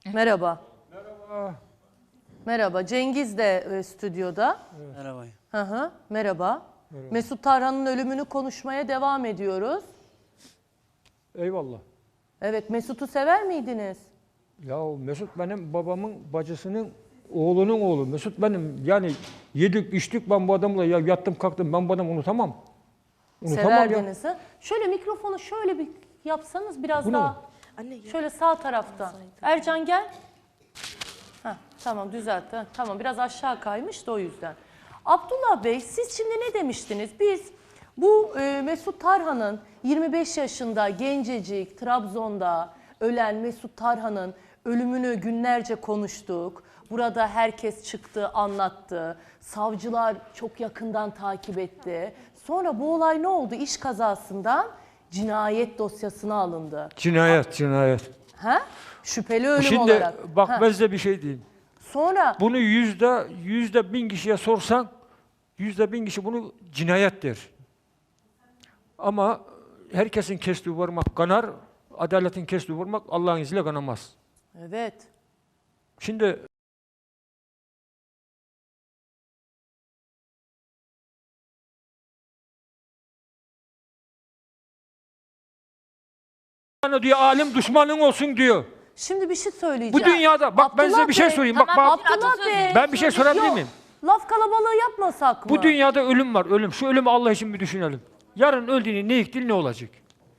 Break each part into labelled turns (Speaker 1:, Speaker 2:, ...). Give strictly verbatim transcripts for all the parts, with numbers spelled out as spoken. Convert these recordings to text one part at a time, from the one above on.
Speaker 1: Merhaba.
Speaker 2: Merhaba.
Speaker 1: Merhaba. Cengiz de e, stüdyoda.
Speaker 2: Evet.
Speaker 3: Merhaba.
Speaker 1: Hı hı. Merhaba.
Speaker 2: Merhaba.
Speaker 1: Mesut Tarhan'ın ölümünü konuşmaya devam ediyoruz.
Speaker 2: Eyvallah.
Speaker 1: Evet, Mesut'u sever miydiniz?
Speaker 2: Ya Mesut benim babamın bacısının oğlunun oğlu. Mesut benim yani yedik içtik ben bu adamla ya yattım kalktım ben bu adamı unutamam. Unutamam ya.
Speaker 1: Severdiniz ha? Şöyle mikrofonu şöyle bir yapsanız biraz
Speaker 2: Bu ne?
Speaker 1: daha.
Speaker 4: Anne ya.
Speaker 1: Şöyle sağ tarafta. Ercan gel. Heh, tamam düzeltti. Heh, tamam biraz aşağı kaymış da o yüzden. Abdullah Bey siz şimdi ne demiştiniz? Biz bu e, Mesut Tarhan'ın yirmi beş yaşında gencecik Trabzon'da ölen Mesut Tarhan'ın ölümünü günlerce konuştuk. Burada herkes çıktı, anlattı. Savcılar çok yakından takip etti. Sonra bu olay ne oldu? İş kazasından cinayet dosyasına alındı.
Speaker 2: Cinayet, cinayet.
Speaker 1: Ha? Şüpheli ölüm
Speaker 2: Şimdi
Speaker 1: olarak.
Speaker 2: bak
Speaker 1: Ha.
Speaker 2: ben size bir şey diyeyim.
Speaker 1: Sonra
Speaker 2: Bunu yüzde, yüzde bin kişiye sorsan yüzde bin kişi bunu cinayet der. Ama herkesin kestiği vurmak kanar, adaletin kestiği vurmak Allah'ın izniyle kanamaz.
Speaker 1: evet.
Speaker 2: Şimdi diyor alim düşmanın olsun diyor.
Speaker 1: Şimdi bir şey söyleyeceğim.
Speaker 2: Bu dünyada bak ben size
Speaker 1: Abdullah
Speaker 2: bir şey
Speaker 1: Bey,
Speaker 2: söyleyeyim. Bak,
Speaker 4: tamam,
Speaker 2: bak
Speaker 1: Abdullah Bey.
Speaker 2: ben bir şey sorabilir
Speaker 1: Yok,
Speaker 2: miyim?
Speaker 1: laf kalabalığı yapmasak mı?
Speaker 2: Bu dünyada ölüm var, ölüm. Şu ölümü Allah için bir düşünelim. Yarın öldüğünü ne iktil ne olacak?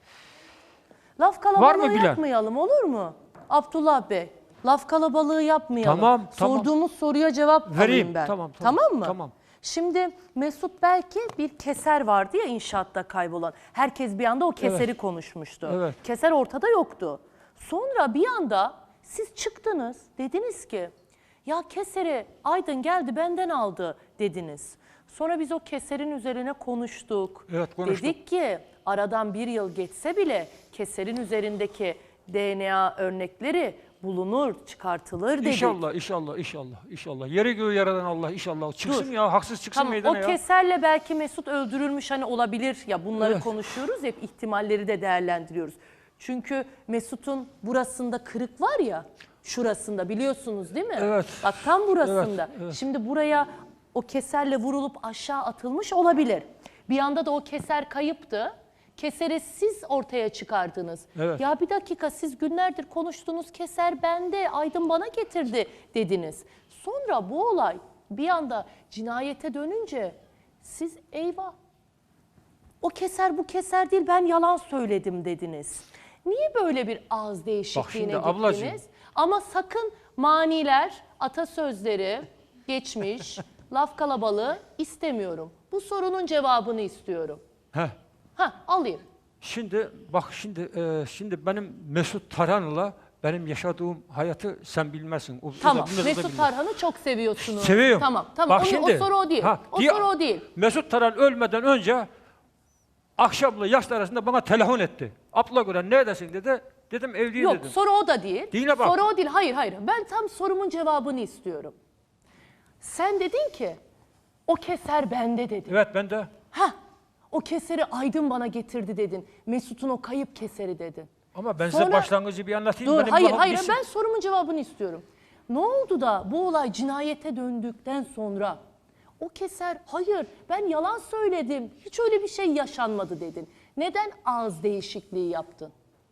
Speaker 1: Laf
Speaker 2: Var
Speaker 1: kalabalığı
Speaker 2: mı bilen?
Speaker 1: yapmayalım olur mu? Abdullah Bey. Laf kalabalığı yapmayalım.
Speaker 2: Tamam, tamam.
Speaker 1: Sorduğumuz soruya cevap
Speaker 2: Vereyim.
Speaker 1: alayım ben.
Speaker 2: Tamam, tamam.
Speaker 1: Tamam mı?
Speaker 2: Tamam.
Speaker 1: Şimdi Mesut belki bir keser vardı ya inşaatta kaybolan. Herkes bir anda o keseri
Speaker 2: Evet.
Speaker 1: konuşmuştu.
Speaker 2: Evet.
Speaker 1: Keser ortada yoktu. Sonra bir anda siz çıktınız dediniz ki ya keseri Aydın geldi benden aldı dediniz. Sonra biz o keserin üzerine konuştuk.
Speaker 2: Evet, konuştuk.
Speaker 1: Dedik ki aradan bir yıl geçse bile keserin üzerindeki D N A örnekleri bulunur, çıkartılır dedik.
Speaker 2: İnşallah, inşallah, inşallah, inşallah. Yeri göğü yaradan Allah inşallah. Çıksın
Speaker 1: Dur.
Speaker 2: ya, haksız çıksın
Speaker 1: Tamam,
Speaker 2: meydana
Speaker 1: o
Speaker 2: ya.
Speaker 1: keserle belki Mesut öldürülmüş hani olabilir ya bunları
Speaker 2: Evet.
Speaker 1: konuşuyoruz hep ihtimalleri de değerlendiriyoruz. Çünkü Mesut'un burasında kırık var ya şurasında biliyorsunuz değil mi?
Speaker 2: Evet.
Speaker 1: Bak tam burasında.
Speaker 2: Evet, evet.
Speaker 1: Şimdi buraya o keserle vurulup aşağı atılmış olabilir. Bir anda da o keser kayıptı. Keseri siz ortaya çıkardınız.
Speaker 2: Evet.
Speaker 1: Ya bir dakika siz günlerdir konuştuğunuz keser bende, Aydın bana getirdi dediniz. Sonra bu olay bir anda cinayete dönünce siz eyvah o keser bu keser değil ben yalan söyledim dediniz. Niye böyle bir ağız değişikliğine
Speaker 2: şimdi
Speaker 1: gittiniz?
Speaker 2: ablacığım.
Speaker 1: Ama sakın maniler, atasözleri, geçmiş, laf kalabalığı istemiyorum. Bu sorunun cevabını istiyorum.
Speaker 2: Heh.
Speaker 1: Ha alayım.
Speaker 2: Şimdi bak şimdi e, şimdi benim Mesut Tarhan'la benim yaşadığım hayatı sen bilmezsin. O,
Speaker 1: Tamam.
Speaker 2: o da bilmez, o da
Speaker 1: Mesut
Speaker 2: bilmez.
Speaker 1: Tarhan'ı çok seviyorsunuz.
Speaker 2: Seviyorum.
Speaker 1: Tamam. Tamam.
Speaker 2: Bak
Speaker 1: o,
Speaker 2: şimdi,
Speaker 1: o soru o değil.
Speaker 2: ha,
Speaker 1: o
Speaker 2: diye-
Speaker 1: soru o değil.
Speaker 2: Mesut Tarhan ölmeden önce akşamla yatsı arasında bana telefon etti. Abla gören neredesin dedi. Dedim evdeyim
Speaker 1: Yok
Speaker 2: dedim.
Speaker 1: soru o da değil.
Speaker 2: Değil bak.
Speaker 1: Soru o değil. Hayır hayır. Ben tam sorumun cevabını istiyorum. Sen dedin ki o keser bende dedin.
Speaker 2: Evet ben de.
Speaker 1: Ha, o keseri Aydın bana getirdi dedin. Mesut'un o kayıp keseri dedin.
Speaker 2: Ama ben
Speaker 1: Sonra-
Speaker 2: size başlangıcı bir anlatayım.
Speaker 1: Dur
Speaker 2: benim
Speaker 1: hayır
Speaker 2: lafım
Speaker 1: hayır
Speaker 2: bitsin.
Speaker 1: ben sorumun cevabını istiyorum. Ne oldu da bu olay cinayete döndükten sonra o keser hayır ben yalan söyledim hiç öyle bir şey yaşanmadı dedin. Neden ağız değişikliği yaptın?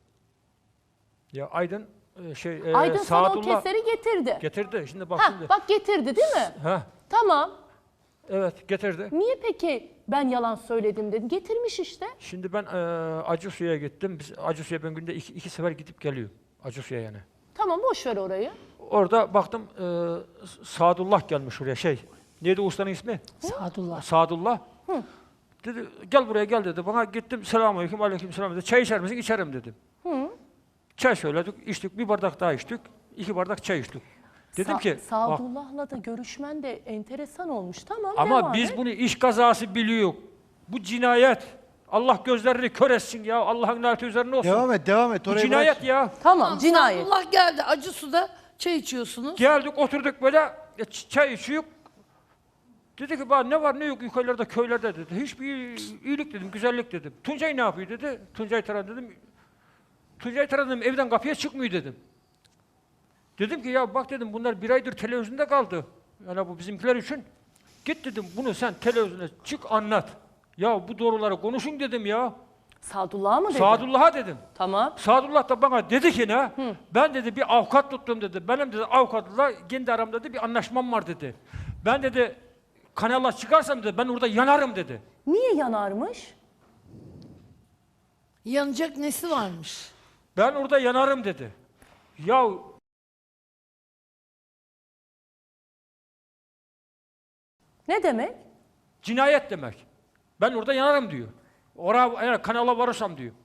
Speaker 2: Ya Aydın e, şey e,
Speaker 1: Aydın sana o
Speaker 2: Saadullah
Speaker 1: keseri getirdi.
Speaker 2: getirdi. Şimdi bak
Speaker 1: Ha,
Speaker 2: şimdi.
Speaker 1: bak getirdi değil mi?
Speaker 2: Ha,
Speaker 1: Tamam.
Speaker 2: evet getirdi.
Speaker 1: Niye peki ben yalan söyledim dedin? Getirmiş işte.
Speaker 2: Şimdi ben e, Acısu'ya gittim. Biz Acısu'ya ben günde iki, iki sefer gidip geliyorum. Acısu'ya yani.
Speaker 1: Tamam boş ver orayı.
Speaker 2: Orada baktım e, Saadullah gelmiş oraya şey. Neydi ustanın ismi?
Speaker 1: Sadullah.
Speaker 2: Sadullah. Dedi gel buraya gel dedi. Bana gittim selamünaleyküm aleyküm selam dedi. Çay içer misin? İçerim dedim. Çay söyledik, içtik. Bir bardak daha içtik. İki bardak çay içtik. Dedim
Speaker 1: Sa-
Speaker 2: ki bak,
Speaker 1: Sadullah'la da görüşmen de enteresan olmuş. Tamam
Speaker 2: ama
Speaker 1: devam
Speaker 2: biz
Speaker 1: et.
Speaker 2: bunu iş kazası biliyor. Bu cinayet. Allah gözlerini kör etsin ya. Allah'ın laneti üzerine olsun.
Speaker 5: Devam et, devam et.
Speaker 2: Bu
Speaker 5: Orayı
Speaker 2: cinayet
Speaker 5: bırak.
Speaker 2: ya.
Speaker 1: Tamam cinayet.
Speaker 4: Allah geldi Acısu'da çay içiyorsunuz.
Speaker 2: Geldik oturduk böyle e, ç- çay içiyor. Dedi ki bana ne var ne yok yukarılarda köylerde dedi. Hiçbir iyilik dedim, güzellik dedim. Tuncay ne yapıyor dedi. Tuncay Taran dedim. Tuncay Taran dedim evden kapıya çıkmıyor dedim. Dedim ki ya bak dedim bunlar bir aydır televizyonda kaldı. Yani bu bizimkiler için. Git dedim bunu sen televizyona çık anlat. Ya bu doğruları konuşun dedim ya.
Speaker 1: Sadullah'a mı dedi?
Speaker 2: Sadullah'a dedim.
Speaker 1: Tamam.
Speaker 2: Sadullah da bana dedi ki ne? Ben dedi bir avukat tuttum dedi. Benim dedi avukatla kendi aramda dedi bir anlaşmam var dedi. Ben dedi kanala çıkarsam dedi ben orada yanarım dedi.
Speaker 1: Niye yanarmış?
Speaker 4: Yanacak nesi varmış?
Speaker 2: Ben orada yanarım dedi. Ya
Speaker 1: Ne demek?
Speaker 2: cinayet demek. Ben orada yanarım diyor. Oraya eğer kanala varırsam diyor.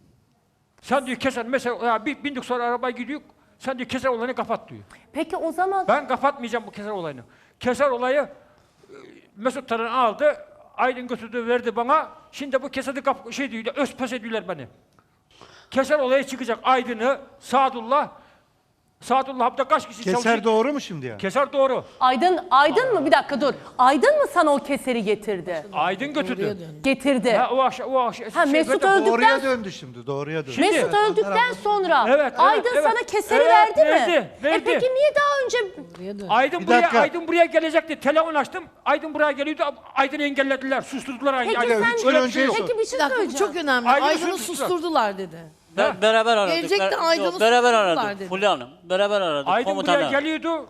Speaker 2: Sen diyor keser mesela ya bir bindik sonra arabaya gidiyor. Sen diyor keser olayını kapat diyor.
Speaker 1: Peki o zaman
Speaker 2: Ben kapatmayacağım bu keser olayını. Keser olayı e, Mesut Taran aldı. Aydın götürdü verdi bana. Şimdi bu kesedi kap şey diyor özpes ediyorlar beni. Keser olayı çıkacak Aydın'ı Sadullah Sadullah hafta kaç kişi
Speaker 3: Keser
Speaker 2: çalışıyor?
Speaker 3: doğru mu şimdi ya?
Speaker 2: Keser doğru.
Speaker 1: Aydın Aydın mı? Bir dakika dur. Aydın mı sana o keseri getirdi?
Speaker 2: Aydın götürdü.
Speaker 4: Oraya dön.
Speaker 1: Getirdi.
Speaker 2: Ha, o akşam, o akşam.
Speaker 1: Ha, Mesut
Speaker 2: böyle-
Speaker 1: öldü.
Speaker 3: Doğruya
Speaker 1: Öldükten-
Speaker 3: döndü şimdi, doğruya döndü.
Speaker 2: Şimdi-
Speaker 1: Mesut öldükten sonra
Speaker 2: Evet, evet,
Speaker 1: Aydın
Speaker 2: evet.
Speaker 1: sana keseri
Speaker 2: Evet,
Speaker 1: verdi mi?
Speaker 2: verdi,
Speaker 1: E
Speaker 2: verdi.
Speaker 1: peki niye daha önce
Speaker 4: Oraya dön.
Speaker 2: Aydın
Speaker 3: Bir
Speaker 2: buraya,
Speaker 3: dakika.
Speaker 2: Aydın buraya gelecekti. Telefon açtım. Aydın buraya geliyordu. Aydın'ı engellediler. Susturdular Aydın'ı.
Speaker 1: Peki
Speaker 2: Aydın.
Speaker 1: sen
Speaker 3: üç gün
Speaker 2: Öyle bir
Speaker 3: önce
Speaker 2: şey yok.
Speaker 1: Peki bir
Speaker 4: Bir
Speaker 1: şey
Speaker 4: dakika bu
Speaker 1: söyleyeceğim.
Speaker 4: çok önemli.
Speaker 2: Aydın'ı
Speaker 4: Aydın'ı
Speaker 2: susturdular.
Speaker 4: susturdular dedi.
Speaker 5: Be- beraber aradık.
Speaker 4: Gelecekti,
Speaker 5: Ber-
Speaker 4: Aydın'ı
Speaker 5: yok, beraber
Speaker 4: susturdular
Speaker 5: aradık
Speaker 4: dedi.
Speaker 5: Fulya Hanım. Beraber aradık
Speaker 2: Aydın buraya
Speaker 5: komutanı.
Speaker 2: geliyordu.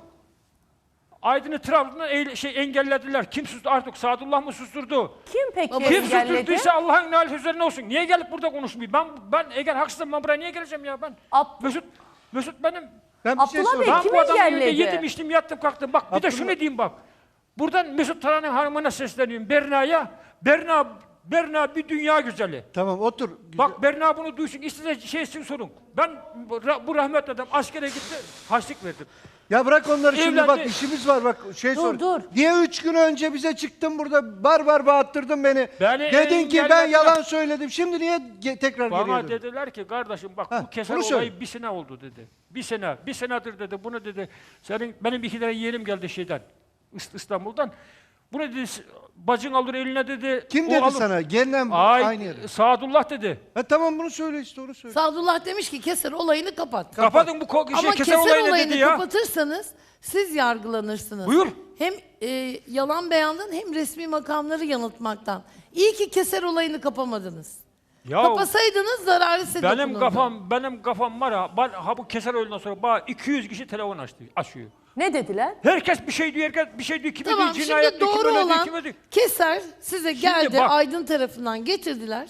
Speaker 2: Aydın'ı Trabzon'dan eğil- şey engellediler. Kim susturdu artık? Sadullah mı susturdu?
Speaker 1: Kim peki
Speaker 2: Kim
Speaker 1: engelledi?
Speaker 2: susturduysa Allah'ın nail üzerine olsun. Niye gelip burada konuşmuyor? Ben ben eğer haksızım ben buraya niye geleceğim ya ben?
Speaker 1: Ab-
Speaker 2: Mesut Mesut benim.
Speaker 3: Ben bir şey
Speaker 1: Abdullah Bey,
Speaker 3: sorayım.
Speaker 2: Ben
Speaker 1: kim
Speaker 2: bu adamın evinde
Speaker 1: engelledi?
Speaker 2: yedim içtim yattım kalktım. Bak bir de
Speaker 3: Abdullah-
Speaker 2: şunu diyeyim bak. Buradan Mesut Taran'ın hanımına sesleniyorum. Berna'ya. Berna Berna bir dünya güzeli.
Speaker 3: Tamam otur.
Speaker 2: Bak Berna bunu duysun, istediği şey için sorun. Ben bu ra- bu rahmetli adam askere gitti, haçlık verdim.
Speaker 3: Ya bırak onları şimdi
Speaker 2: Evlendi.
Speaker 3: bak işimiz var bak şey
Speaker 1: Dur,
Speaker 3: sor.
Speaker 1: dur.
Speaker 3: Niye üç gün önce bize çıktın burada bar bar bağırttırdın beni.
Speaker 2: Beni
Speaker 3: Dedin ki ben
Speaker 2: engellediler.
Speaker 3: yalan söyledim. Şimdi niye ge- tekrar geriye
Speaker 2: Bana
Speaker 3: döndün?
Speaker 2: dediler ki kardeşim bak
Speaker 3: Heh,
Speaker 2: bu keser
Speaker 3: bunu söyle.
Speaker 2: olayı bir sene oldu dedi. Bir sene, bir senedir dedi bunu dedi. Senin benim iki tane yeğenim geldi şeyden, İst- İstanbul'dan. Bunu dedi bacın alır eline dedi.
Speaker 3: Kim
Speaker 2: o
Speaker 3: dedi
Speaker 2: alır.
Speaker 3: sana? Gelinen
Speaker 2: Ay,
Speaker 3: aynı yere.
Speaker 2: Sadullah dedi.
Speaker 3: Ha, tamam bunu söyle işte onu söyle.
Speaker 4: Sadullah demiş ki keser olayını kapat.
Speaker 2: Kapatın bu ko- şey,
Speaker 4: Ama
Speaker 2: keser,
Speaker 4: keser
Speaker 2: olayını
Speaker 4: olayını
Speaker 2: dedi ya.
Speaker 4: kapatırsanız siz yargılanırsınız.
Speaker 2: Buyur.
Speaker 4: Hem e, yalan beyandan hem resmi makamları yanıltmaktan. İyi ki keser olayını kapamadınız.
Speaker 2: Ya
Speaker 4: Kapasaydınız zararı size
Speaker 2: benim
Speaker 4: dokunurdu.
Speaker 2: kafam, benim kafam var ha. Ben, ha bu keser oyundan sonra bana iki yüz kişi telefon açtı, açıyor.
Speaker 1: Ne dediler?
Speaker 2: Herkes bir şey diyor, herkes bir şey diyor. Kimi
Speaker 4: Tamam
Speaker 2: diyor, cinayet
Speaker 4: şimdi
Speaker 2: diyor, kimi
Speaker 4: doğru
Speaker 2: öyle diyor,
Speaker 4: olan
Speaker 2: kimi diyor.
Speaker 4: keser size geldi
Speaker 2: bak.
Speaker 4: Aydın tarafından getirdiler.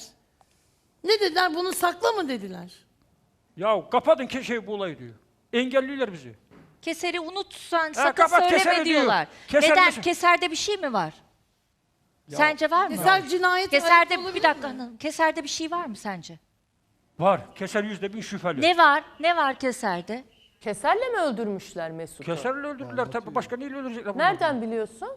Speaker 4: Ne dediler bunu sakla mı dediler.
Speaker 2: Ya kapatın ki şey bu olayı diyor. Engelliyorlar bizi.
Speaker 6: Keseri unut sen sakın
Speaker 2: kapat,
Speaker 6: söyleme
Speaker 2: keseri diyor.
Speaker 6: diyorlar.
Speaker 2: Keser
Speaker 6: Neden?
Speaker 2: misin?
Speaker 6: Keserde bir şey mi var? Sence var mı?
Speaker 4: Keser cinayet
Speaker 6: Keserde
Speaker 4: olabilir
Speaker 6: bir dakika hanım. Keserde bir şey var mı sence?
Speaker 2: Var. Keser yüzde bin şüpheli.
Speaker 6: Ne var? Ne var keserde?
Speaker 1: Keserle mi öldürmüşler Mesut'u?
Speaker 2: Keserle öldürdüler tabii. Başka neyle öldürecekler? bunu?
Speaker 1: Nereden biliyorsun?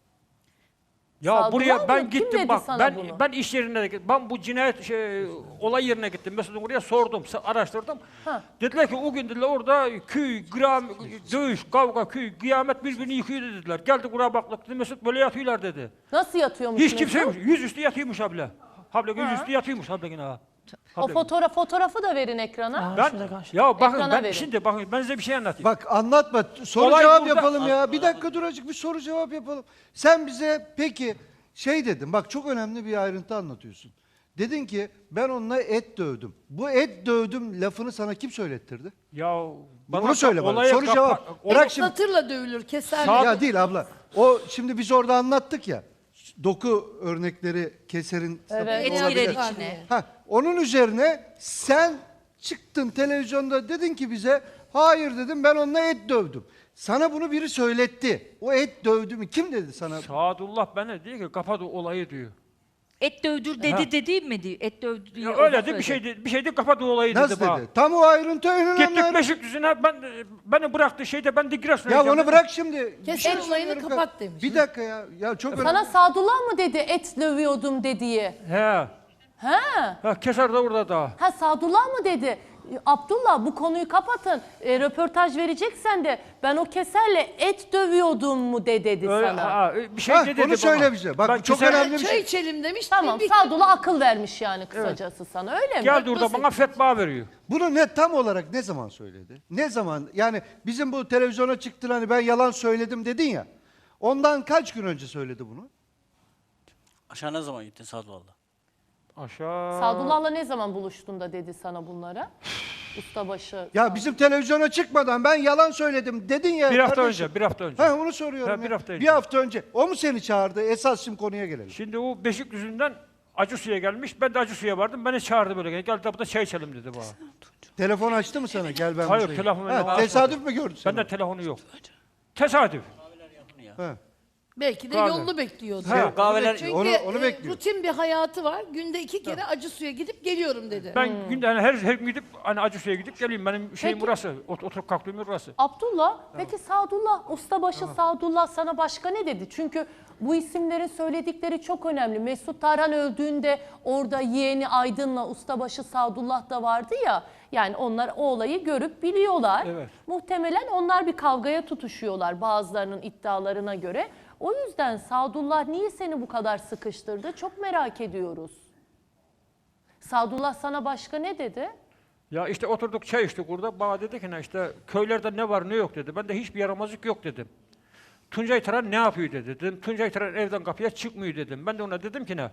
Speaker 2: Ya
Speaker 1: Sadullah
Speaker 2: buraya
Speaker 1: mı?
Speaker 2: ben
Speaker 1: Kim
Speaker 2: gittim
Speaker 1: dedi
Speaker 2: bak.
Speaker 1: sana
Speaker 2: Ben
Speaker 1: bunu?
Speaker 2: ben iş yerine de gittim. Ben bu cinayet şey, olay yerine gittim. Mesut'un oraya sordum, sa- araştırdım.
Speaker 1: Ha.
Speaker 2: Dediler ki o gün dediler orada köy, gram, dövüş, kavga, köy, kıyamet birbirini yıkıyor dediler. Geldik oraya baktık dedi Mesut böyle yatıyorlar dedi.
Speaker 1: Nasıl yatıyormuş
Speaker 2: Hiç
Speaker 1: Mesut?
Speaker 2: kimse yok. Yüzüstü yatıyormuş abla. Abla yüzüstü yatıyormuş abla yine ha.
Speaker 1: O
Speaker 2: Abla.
Speaker 1: fotoğraf fotoğrafı da verin ekrana.
Speaker 2: Ben, ya bakın
Speaker 1: Ekrana
Speaker 2: ben
Speaker 1: verin.
Speaker 2: şimdi bakın ben size bir şey anlatayım.
Speaker 3: Bak anlatma. Soru
Speaker 2: Olay
Speaker 3: cevap
Speaker 2: burada.
Speaker 3: yapalım ya. Bir dakika dur azıcık bir soru cevap yapalım. Sen bize peki şey dedin. Bak çok önemli bir ayrıntı anlatıyorsun. Dedin ki ben onunla et dövdüm. Bu et dövdüm lafını sana kim söylettirdi?
Speaker 2: Ya bana
Speaker 3: Bunu söyle bana.
Speaker 2: olaya
Speaker 3: Soru
Speaker 2: kapa-
Speaker 3: cevap.
Speaker 2: o-
Speaker 3: Bırak şimdi.
Speaker 4: Satırla dövülür keser.
Speaker 2: Sağ-
Speaker 3: Ya değil abla. O şimdi biz orada anlattık ya. Doku örnekleri keserin
Speaker 1: Evet.
Speaker 6: Et
Speaker 3: olabilir.
Speaker 6: girer içine.
Speaker 3: Ha, onun üzerine sen çıktın televizyonda dedin ki bize hayır dedim ben onunla et dövdüm. Sana bunu biri söyletti. O et dövdü mü? Kim dedi sana?
Speaker 2: Sadullah bana diyor ki kapat o olayı diyor.
Speaker 6: Et dövdür dedi
Speaker 2: Ha.
Speaker 6: dediğim mi diyor? Et dövdür diyor.
Speaker 2: Ya öyle de bir şey de, bir şey de kapat o olayı
Speaker 3: Nasıl
Speaker 2: dedi bana.
Speaker 3: dedi? Tam o ayrıntı en önemli.
Speaker 2: Gittik
Speaker 3: ayrıntı.
Speaker 2: Beşiktaş'ına ben beni bıraktı şeyde ben de Giresun'a
Speaker 3: Ya
Speaker 2: gideceğim
Speaker 3: onu
Speaker 2: dedi.
Speaker 3: bırak şimdi. Bir
Speaker 4: Keser
Speaker 3: şey
Speaker 4: olayını
Speaker 3: söylüyorum.
Speaker 4: kapat demiş.
Speaker 3: Bir dakika ya. Ya çok önemli.
Speaker 1: Sana Sadullah mı dedi et dövüyordum dediği?
Speaker 2: He.
Speaker 1: Ha?
Speaker 2: Ha keser de orada da.
Speaker 1: Ha Sadullah mı dedi? Abdullah bu konuyu kapatın. E, röportaj vereceksen de ben o keserle et dövüyordum mu de dedi
Speaker 2: Öyle,
Speaker 1: sana.
Speaker 2: ha, bir şey
Speaker 3: Heh,
Speaker 2: de dedi
Speaker 3: onu söyle
Speaker 2: bana.
Speaker 3: bize. Bak,
Speaker 2: Ben
Speaker 3: bu çok
Speaker 2: keser-
Speaker 3: önemli bir
Speaker 4: Çay
Speaker 3: şey.
Speaker 4: içelim demiş.
Speaker 1: Tamam
Speaker 4: bir-
Speaker 1: Sadullah akıl vermiş yani kısacası sana öyle mi?
Speaker 2: Geldi orada bana fetva veriyor.
Speaker 3: Bunu ne tam olarak ne zaman söyledi? Ne zaman? Yani bizim bu televizyona çıktın hani ben yalan söyledim dedin ya. Ondan kaç gün önce söyledi bunu?
Speaker 5: Aşağı ne zaman gittin Sadullah'la?
Speaker 2: Aşağı.
Speaker 1: Sadullah'la ne zaman buluştun da dedi sana bunlara? Ustabaşı.
Speaker 3: Ya bizim televizyona çıkmadan ben yalan söyledim dedin ya.
Speaker 2: Bir hafta
Speaker 3: kardeşim.
Speaker 2: önce, bir hafta önce.
Speaker 3: Ha onu soruyorum.
Speaker 2: Ha,
Speaker 3: ya.
Speaker 2: bir hafta önce.
Speaker 3: Bir hafta önce. O mu seni çağırdı? Esas şimdi konuya gelelim.
Speaker 2: Şimdi o Beşikdüzü'nden Acısu'ya gelmiş. Ben de Acısu'ya vardım. Beni çağırdı böyle. Gel burada çay içelim dedi bana.
Speaker 3: Telefon açtı mı sana? Gel ben
Speaker 2: Hayır,
Speaker 3: buradayım.
Speaker 2: telefonu
Speaker 3: Ha,
Speaker 2: açmadı.
Speaker 3: tesadüf mü gördün sen?
Speaker 2: Bende telefonu yok. Tesadüf.
Speaker 3: Ha.
Speaker 4: Belki de
Speaker 2: Kahve.
Speaker 4: yolunu bekliyordu.
Speaker 2: Ha,
Speaker 5: kahveler-
Speaker 4: Çünkü
Speaker 3: Onu- onu
Speaker 4: e,
Speaker 3: bekliyor.
Speaker 4: rutin bir hayatı var. Günde iki kere acı suya gidip geliyorum dedi.
Speaker 2: Ben günde hani her, her gün gidip hani Acısu'ya gidip geleyim. Benim şeyim
Speaker 1: Peki.
Speaker 2: burası. Ot, oturup kalktığım yer burası.
Speaker 1: Abdullah, peki Sadullah, ustabaşı Sadullah sana başka ne dedi? Çünkü bu isimlerin söyledikleri çok önemli. Mesut Tarhan öldüğünde orada yeğeni Aydın'la ustabaşı Sadullah da vardı ya. Yani onlar o olayı görüp biliyorlar.
Speaker 2: Evet.
Speaker 1: Muhtemelen onlar bir kavgaya tutuşuyorlar bazılarının iddialarına göre. O yüzden Sadullah niye seni bu kadar sıkıştırdı? Çok merak ediyoruz. Sadullah sana başka ne dedi?
Speaker 2: Ya işte oturduk çay içtik burada. Bana dedi ki ne işte köylerde ne var ne yok dedi. Ben de hiçbir yaramazlık yok dedim. Tuncay Taran ne yapıyor dedi. Dedim Tuncay Taran evden kapıya çıkmıyor dedim. Ben de ona dedim ki ne?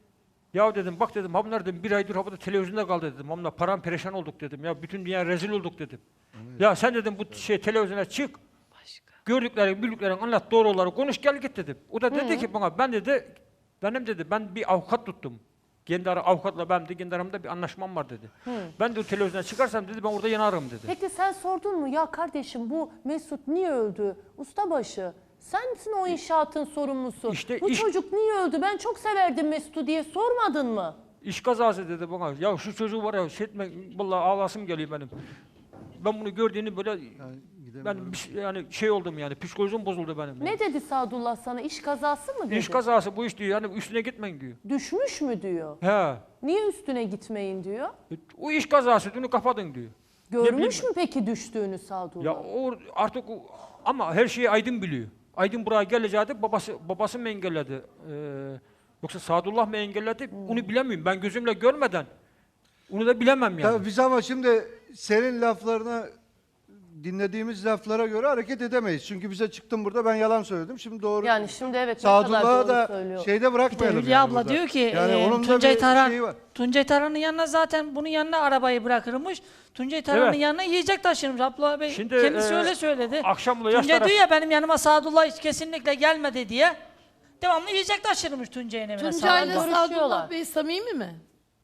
Speaker 2: Ya dedim bak dedim ha bunlar dedim bir aydır havada televizyonda kaldı dedim. Hamla param perişan olduk dedim. Ya bütün dünya rezil olduk dedim. Ya sen dedim bu şey televizyona çık. Gördüklerin, bildiklerin anlat doğruları konuş gel git dedim. O da dedi ki bana ben dedi benim dedi ben bir avukat tuttum. Kendi ara avukatla benim de kendi aramda bir anlaşmam var dedi. Ben de o televizyona çıkarsam dedi ben orada yanarım dedi.
Speaker 1: Peki sen sordun mu ya kardeşim bu Mesut niye öldü? Ustabaşı sensin o inşaatın sorumlusu.
Speaker 2: İşte
Speaker 1: bu
Speaker 2: iş-
Speaker 1: çocuk niye öldü? Ben çok severdim Mesut'u diye sormadın mı?
Speaker 2: İş kazası dedi bana. Ya şu çocuğu var ya şey etme, vallahi ağlasım geliyor benim. Ben bunu gördüğünü böyle ben bir şey- yani şey oldum yani psikolojim bozuldu benim.
Speaker 1: Ne dedi Sadullah sana? İş kazası mı dedi?
Speaker 2: İş kazası bu iş diyor yani üstüne gitmeyin diyor.
Speaker 1: Düşmüş mü diyor?
Speaker 2: He.
Speaker 1: Niye üstüne gitmeyin diyor?
Speaker 2: O iş kazası bunu kapatın diyor.
Speaker 1: Görmüş
Speaker 2: bileyim
Speaker 1: mü peki düştüğünü Sadullah?
Speaker 2: Ya o artık o, ama her şeyi Aydın biliyor. Aydın buraya geleceğiydi babası babası mı engelledi? Ee, yoksa Sadullah mı engelledi? Onu bilemiyorum. Ben gözümle görmeden onu da bilemem yani.
Speaker 3: Tabii biz ama şimdi senin laflarına dinlediğimiz laflara göre hareket edemeyiz. Çünkü bize çıktın burada ben yalan söyledim. Şimdi doğru.
Speaker 1: Yani şimdi evet ne kadar
Speaker 3: Sadullah'ı
Speaker 1: doğru
Speaker 3: da
Speaker 1: söylüyor.
Speaker 3: şeyde bırakmayalım.
Speaker 7: Hülya
Speaker 3: yani
Speaker 7: abla
Speaker 3: burada.
Speaker 7: diyor ki
Speaker 3: yani
Speaker 7: e,
Speaker 3: onun da
Speaker 7: Tuncay
Speaker 3: bir
Speaker 7: Taran
Speaker 3: şeyi var.
Speaker 7: Tuncay Taran'ın yanına zaten bunun yanına arabayı bırakırmış. Tuncay Taran'ın
Speaker 2: Evet.
Speaker 7: yanına yiyecek taşırmış. Abdullah Bey
Speaker 2: Şimdi,
Speaker 7: kendisi
Speaker 2: e,
Speaker 7: öyle söyledi.
Speaker 2: akşamla yaş
Speaker 7: Tuncay
Speaker 2: taraf-
Speaker 7: diyor ya benim yanıma Sadullah hiç kesinlikle gelmedi diye. Devamlı yiyecek taşırmış Tuncay'ın evine.
Speaker 4: Tuncay'la
Speaker 7: Sadullah.
Speaker 1: Sadullah.
Speaker 4: Sadullah Bey samimi mi?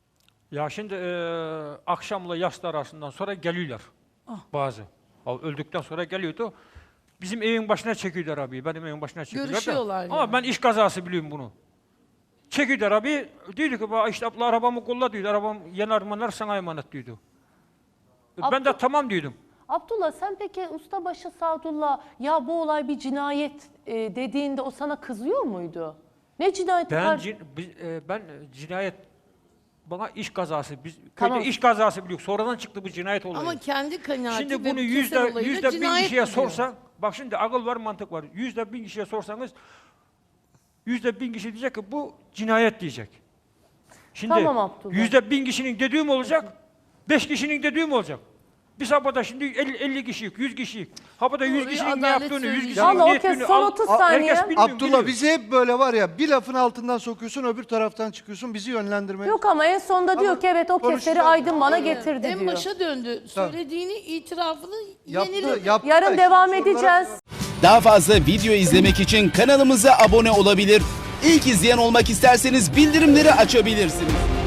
Speaker 2: Ya şimdi e, akşamla yastı arasından sonra geliyorlar bazı. Ha, öldükten sonra geliyordu. Bizim evin başına çekiyorlar abi. Benim evin başına çekiyorlar da.
Speaker 4: Görüşüyorlar
Speaker 2: Ama
Speaker 4: yani.
Speaker 2: ben iş kazası biliyorum bunu. Çekiyorlar abi. Diyordu ki "Bak işte abla arabamı kolla diyordu. Arabam yanar manar sana emanet diyordu. E, Ben de tamam diyordum.
Speaker 1: Abdullah sen peki ustabaşı Sadullah ya bu olay bir cinayet e, dediğinde o sana kızıyor muydu? Ne cinayeti?
Speaker 2: Ben,
Speaker 1: kar-
Speaker 2: cin- biz, e, ben cinayet bana iş kazası. Biz
Speaker 1: Tamam.
Speaker 2: köyde iş kazası biliyoruz. Sonradan çıktı bu cinayet olayı.
Speaker 4: Ama kendi kanaati
Speaker 2: Şimdi
Speaker 4: ve
Speaker 2: bunu
Speaker 4: keser
Speaker 2: yüzde,
Speaker 4: olayıyla
Speaker 2: yüzde bin
Speaker 4: cinayet
Speaker 2: kişiye
Speaker 4: diyor.
Speaker 2: sorsan, bak şimdi akıl var mantık var. Yüzde bin kişiye sorsanız, yüzde bin kişi diyecek ki bu cinayet diyecek. Şimdi
Speaker 1: Tamam Abdullah.
Speaker 2: yüzde bin kişinin dediği mi olacak, beş kişinin dediği mi olacak? Biz havada şimdi elli, elli kişilik, yüz kişilik. Havada yüz
Speaker 4: Doğru,
Speaker 2: kişinin ne
Speaker 4: adalet
Speaker 2: yaptığını, yüz
Speaker 4: söyleyecek.
Speaker 2: kişinin
Speaker 1: Vallahi
Speaker 2: ne
Speaker 1: o kez
Speaker 2: ettiğini
Speaker 1: son
Speaker 2: al-
Speaker 1: otuz
Speaker 2: al-
Speaker 1: saniye.
Speaker 2: herkes bilmiyor,
Speaker 3: Abdullah
Speaker 2: biliyor.
Speaker 3: bizi hep böyle var ya bir lafın altından sokuyorsun öbür taraftan çıkıyorsun bizi yönlendirmeye.
Speaker 1: Yok ama en sonunda diyor ki evet o keseri
Speaker 3: konuşacağız.
Speaker 1: Aydın bana
Speaker 4: Aynen.
Speaker 1: getirdi
Speaker 4: En
Speaker 1: diyor.
Speaker 4: başa döndü. Söylediğini, itirafını
Speaker 3: Yaptı,
Speaker 4: yeniledi.
Speaker 3: yaptı da
Speaker 1: Yarın
Speaker 3: işte
Speaker 1: devam
Speaker 3: sorulara-
Speaker 1: edeceğiz.
Speaker 8: Daha fazla video izlemek için kanalımıza abone olabilir. İlk izleyen olmak isterseniz bildirimleri açabilirsiniz.